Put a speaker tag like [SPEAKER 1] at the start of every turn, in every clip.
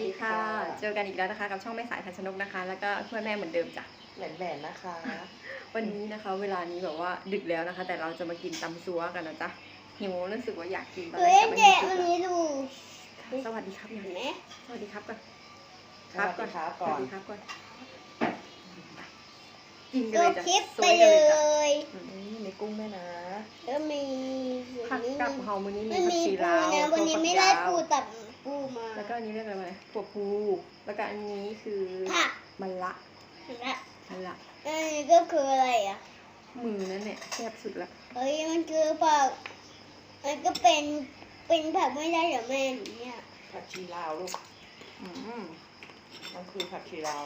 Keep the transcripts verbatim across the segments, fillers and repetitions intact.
[SPEAKER 1] ดีค่ะเจอกันอีกแล้วนะคะกับช่องแม่สายทันชนกนะคะแล้วก็เพื่อนแม่เหมือนเดิมจ้ะ
[SPEAKER 2] แหวนๆนะคะ
[SPEAKER 1] วันนี้นะคะเวลานี้แบบว่าดึกแล้วนะคะแต่เราจะมากินตำซัวกันนะจ๊ะหิวรู้สึกว่าอยากกินตอนแรกแต่ไม่มีซุปสวัสดีครับยังสวัสดีครับก่อน
[SPEAKER 2] ครับก่อนครับก่อน
[SPEAKER 1] สวัสดีครับก่อนกินกันเลยจ้ะ
[SPEAKER 3] คลิป
[SPEAKER 1] ส
[SPEAKER 3] ไป
[SPEAKER 1] วย
[SPEAKER 3] เล
[SPEAKER 1] กันเลยจ้ะ
[SPEAKER 3] ย
[SPEAKER 2] นี่มีกุ้งด้วยนะ
[SPEAKER 3] แล้วมี
[SPEAKER 1] ผักกับเฮามื้อนี้มี
[SPEAKER 3] ไม่
[SPEAKER 1] ผัก
[SPEAKER 3] มี
[SPEAKER 1] ชี
[SPEAKER 3] ปู
[SPEAKER 1] ลาว
[SPEAKER 3] นะวันนี้ไม่ได้ปูตับปูมา
[SPEAKER 1] แล้วก็อันนี้เรียกอะไรมาถั่วพูแล้วก็อันนี้คือ
[SPEAKER 3] ผัก
[SPEAKER 1] มะละ
[SPEAKER 3] และ
[SPEAKER 1] มะละ
[SPEAKER 3] อันนี้ก็คืออะไรอ่ะ
[SPEAKER 1] มือนั่นแหละแซ่บสุดละ
[SPEAKER 3] เฮ้ยมันคือผักมันก็เป็นเป็นผักไม่ได้เหรอแม่หนูเนี่ย
[SPEAKER 2] ผักชีลาวลูก
[SPEAKER 1] อืม
[SPEAKER 2] มันคือผักชีลาว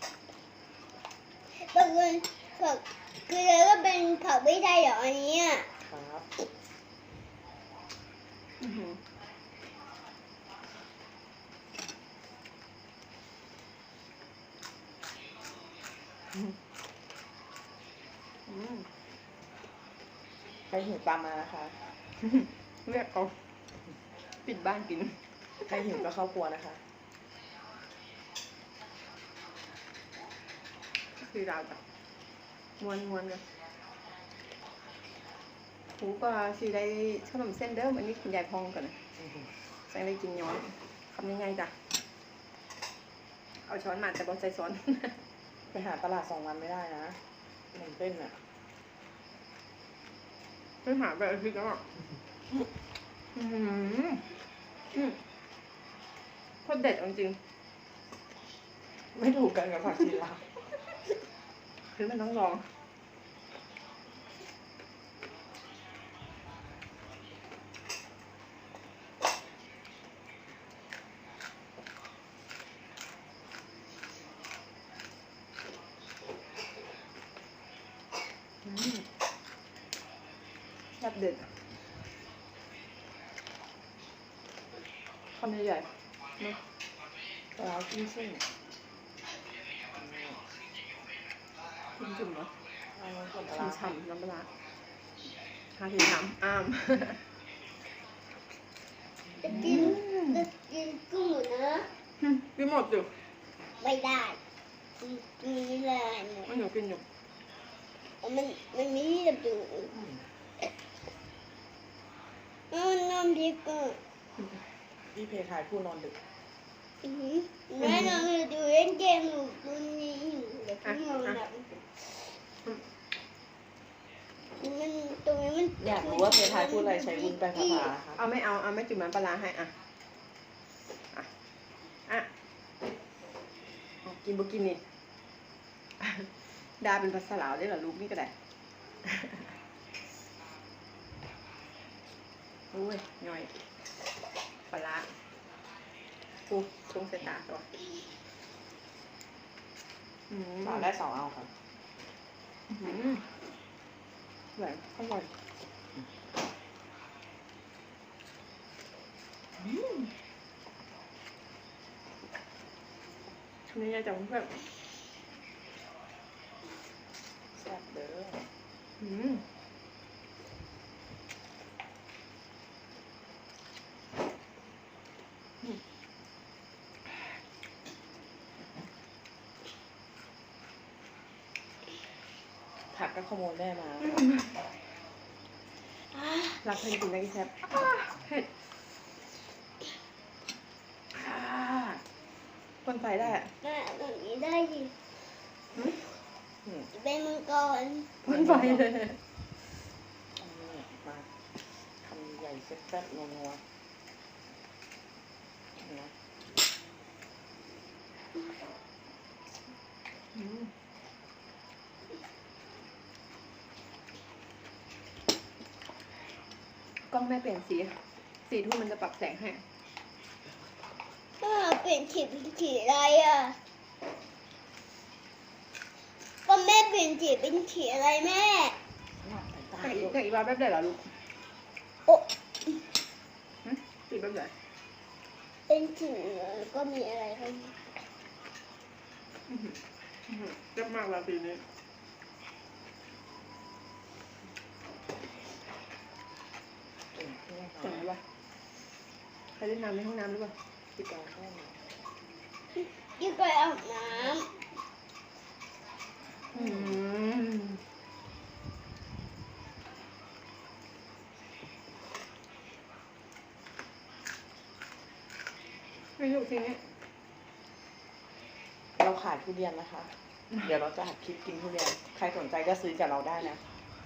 [SPEAKER 3] ก็คือผักคือแล้วก็เป็นผักไม่ได้เหรออันเนี้ย
[SPEAKER 2] ครับ
[SPEAKER 1] อื้อหืออืม
[SPEAKER 2] ใครหิวตามมานะคะ
[SPEAKER 1] เรียกเอาปิดบ้านกิน
[SPEAKER 2] ใครหิวก็เข้าครัวนะคะ
[SPEAKER 1] คือเราจ้ะม้วนม้วนกันหูปลาสีได้ขนมเส้นเดิมอันนี้คุณยายพองก่อนนะใส่ได้กินย้อนทำยังไงจ้ะเอาช้อนมาแต่บอใส่ช้อน
[SPEAKER 2] ไปหาตลาดสองวันไม่ได้นะหนึ่งเต้นอ่ะ
[SPEAKER 1] ไม่หาแบบอาทิตย์แล้วอ่ะอืมอืมโคตรเด็ดเอาจริง
[SPEAKER 2] ไม่ถูกกันกับผักชีลาว
[SPEAKER 1] คือมันต้องลองอืมแบบเด็ดอะคำใหญ่ๆเนอะ
[SPEAKER 2] ปลาจิ้มซึ่ง
[SPEAKER 1] คุณจุ่มเนาะ
[SPEAKER 2] เอาส่วนปลา
[SPEAKER 1] ช่ำๆน้ำปลาทาทีน้ำอ้าม
[SPEAKER 3] จะกินจะกินกุ้งนะ
[SPEAKER 1] กินหมดอยู่
[SPEAKER 3] ไม่ได้กินกินไม่ได้หมด
[SPEAKER 1] ไม่หนูกินอยู่
[SPEAKER 3] มันมันมีแบบอยู่มันน้ำพริกอ่ะ
[SPEAKER 2] พี่เพทายผู้นอนดึก
[SPEAKER 3] อือหือแม่น้องดูเล่นเกมอยู่ตรงนี้อยู่เดี๋ยวพี่นอนหลับมันตรงนี้มัน
[SPEAKER 2] อยากรู้ว่าเพทายพูดอะไรใช้วุ้นไปภาษาค่ะ
[SPEAKER 1] เอาไม่เอาเอาไม่จุ่มน้ำปลาร้าให้อ่ะอ่ะอ่ะเอากินบุกินนี่ ดาเป็นภาษาลาวได้เหรอลูกนี่ก็ได้ โอ้ยย่อยปลาร้าปูตรงเสตาตัวอืม
[SPEAKER 2] สาวได้สองเอาครับ
[SPEAKER 1] อืมอร่อยอร่อยอืมนี่จะจังเพื่อน
[SPEAKER 2] แซ่บเด้อ
[SPEAKER 1] อืม
[SPEAKER 2] ผักก็ขโมยแม่มา
[SPEAKER 1] รักเพื่อนกินได้กี่แซ่บเผ็ดอ่าคนไฟได้อะ
[SPEAKER 3] แม่ตรงนี้ได้ดิ
[SPEAKER 2] อืม
[SPEAKER 3] เป็นมังกร
[SPEAKER 1] คนไฟเลย
[SPEAKER 2] อันนี้มาคำใหญ่แซ่บๆนัวๆนะ
[SPEAKER 1] อืมกล้องแม่เปลี่ยนสีสีทุ่มมันจะปรับแสงให้
[SPEAKER 3] ถ้าเปลี่ยนสีเป็นสีอะไรอ่ะก็แม่เปลี่ยนสีเป็นสีอะไรแม่
[SPEAKER 2] สลับสายตา
[SPEAKER 1] แต่อี
[SPEAKER 2] ลู
[SPEAKER 1] ก
[SPEAKER 2] ก
[SPEAKER 1] แต่อีกว่าแบบไหนล่ะลูก
[SPEAKER 3] โอ้
[SPEAKER 1] หึสีแบบไหน
[SPEAKER 3] เป็นสีแล้วก็มีอะไรบ้าง
[SPEAKER 1] เจ็บมากละสีนี้
[SPEAKER 2] เก่งขึ้น
[SPEAKER 1] เห็นไหมวะใครเล่นน้ำในห้องน้ำหรือเปล่า
[SPEAKER 2] พี่กองแค่ไหน
[SPEAKER 3] ที่เคยอาบน้
[SPEAKER 1] อืมไม่รู้ทีนี้
[SPEAKER 2] เราขายทุเรียนนะคะ เดี๋ยวเราจะหัดคลิปกินทุเรียน ใครสนใจก็ซื้อจากเราได้นะ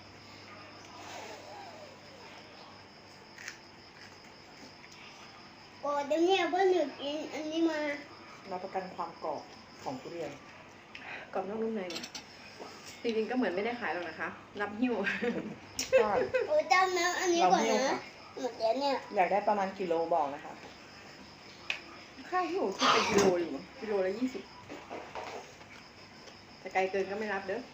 [SPEAKER 3] ำโอ้เดี๋ยวเนี่ยเพื่อนหนูกินอันนี้มา
[SPEAKER 2] รับประกันความกรอบของทุเรียน
[SPEAKER 1] กรอบนอกนุ่มในเนี่ยจริงๆก็เหมือนไม่ได้ขายหรอกนะคะ รับหิ้ว
[SPEAKER 2] ใช่
[SPEAKER 3] โอ้จำน้ำอันนี้ก่อน
[SPEAKER 2] เราหิ้ว
[SPEAKER 3] นะ
[SPEAKER 2] ค่ะ
[SPEAKER 3] หมดแล้วเนี่ย
[SPEAKER 2] อยากได้ประมาณกิโลบอกนะคะ
[SPEAKER 1] ค่าหิ้วคือเป็นกิโลอยู่กิโลละยี่สิบแต่ไกลเกินก็ไม่รับเด้อ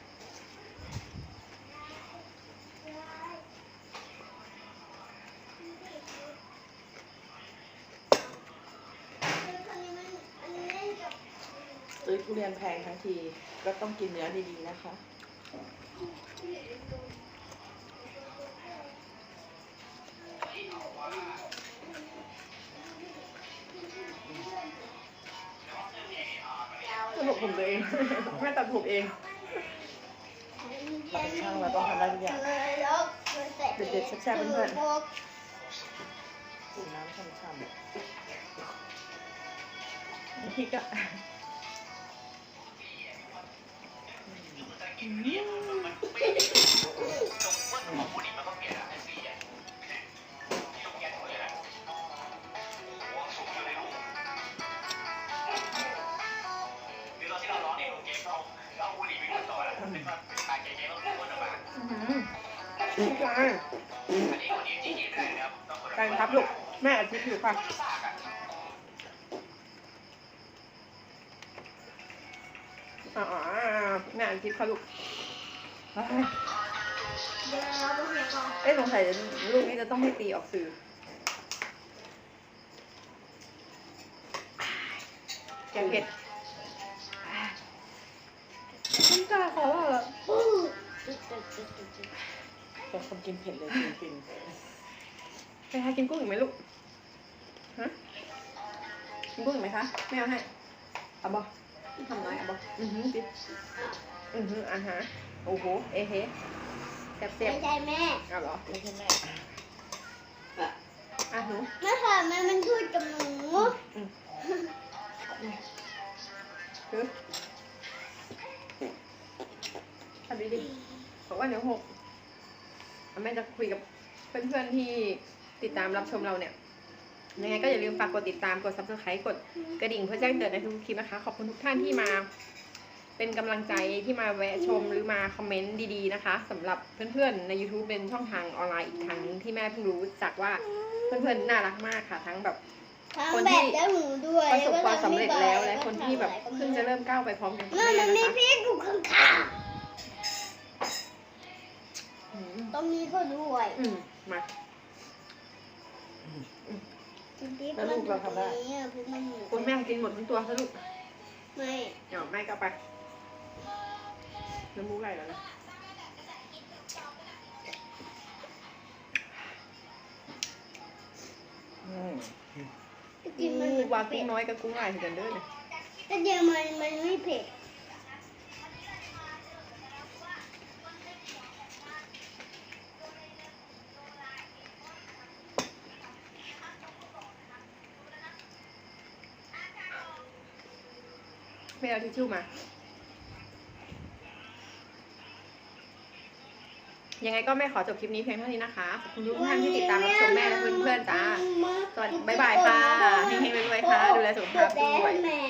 [SPEAKER 2] ซื้อทุเรียนแพงทั้งที ก็ต้องกินเนื้อดีๆนะคะ
[SPEAKER 1] ตัดผมผมตัวเอง แม่ตัดผมเอง
[SPEAKER 2] เราเป็นช่างเราต้องทำได้ทุกอย่าง
[SPEAKER 1] เด็ดๆแซ่บๆเพื่อน
[SPEAKER 2] สูบน้ำช่ำ
[SPEAKER 1] พริกอะอืมไก่ไก่ครับลูกแม่อาทิตย์อยู่ค่ะอ๋อแม่อาทิตย์ค่ะลูกเฮ้ย
[SPEAKER 3] เดี๋ยวเราไปเห็นก่อน
[SPEAKER 1] เอ้ยสงสัยลูกนี้จะต้องให้ตีออกสื่อแกงเผ็ดน้ำตาเขาอะ
[SPEAKER 3] อู้
[SPEAKER 2] ๆเป็นคนกินเผ็ดเลยฟิน
[SPEAKER 1] ไปหากินกุ้งอีกไหมลูก ฮะ กินกุ้งอีกไหมคะไม่เอาให้เอาบอทำน้อยเอาบออือหือสิอือหืออ่ะฮะโอ้โห เอะเฮแซ่บ
[SPEAKER 3] ไม่ใช่แม่
[SPEAKER 1] ๆเอาเหรอ
[SPEAKER 2] ๆไม่ใช่แม่
[SPEAKER 1] อ่ะหนู
[SPEAKER 3] แม่ค่ะแม่มันพูดกับหนู
[SPEAKER 1] คือทำดีๆบอกว่าเดี๋ยวหกแม่จะคุยกับเพื่อนๆที่ติดตามรับชมเราเนี่ยยังไงก็อย่าลืมฝากกดติดตามกด ซับสไครบ์ กดกระดิ่งเพื่อแจ้งเตือนในทุกคลิปนะคะ ขอบคุณทุกท่านที่มาเป็นกำลังใจที่มาแวะชมหรือมาคอมเมนต์ดีๆนะคะสำหรับเพื่อนๆใน YouTube เป็นช่องทางออนไลน์อีกทางนึงที่แม่เพิ่งรู้จักว่าเพื่อนๆน่ารักมากค่ะ ทั้งแบบ
[SPEAKER 3] ทำแบบแล้วหนูด้วย
[SPEAKER 1] ประสบความสำเร็จแล้วและคนที่แบบเพิ่งจะเริ่มก้าวไปพร้อมกันกับ
[SPEAKER 3] แม่
[SPEAKER 1] แม่
[SPEAKER 3] มัน
[SPEAKER 1] นะ
[SPEAKER 3] มี
[SPEAKER 1] คะ
[SPEAKER 3] พริกอยู่ข้าง
[SPEAKER 1] อืม
[SPEAKER 3] ๆตรงนี้ก็ด้วย
[SPEAKER 1] อืมมา
[SPEAKER 3] พริกมันอยู่ตรงนี้อ่ะพริกมันอยู่
[SPEAKER 1] คุณแม่กินหมดทั้งตัวซะลูก
[SPEAKER 3] ไม่
[SPEAKER 1] เดี๋ยวแม่ก็เอาไปน้ำมูกไหลแล้วนะ
[SPEAKER 2] อืม
[SPEAKER 3] กินมัน
[SPEAKER 1] วางกุ้งน้อยกับกุ้งลายเหมือนกันเด้อเนี่ย
[SPEAKER 3] แต่เดี๋ยวมันมันไม่เผ็ด
[SPEAKER 1] ไม่เอาทิชชู่มา ยังไงก็แม่ขอจบคลิปนี้เพียงเท่านี้นะคะ ขอบคุณทุกท่านที่ติดตามรับชมแม่และเพื่อนๆจ้า สวัสดีบ๊ายบายค่ะเฮงๆรวยๆค่ะ ดูแลสุขภาพด้วย
[SPEAKER 3] แม่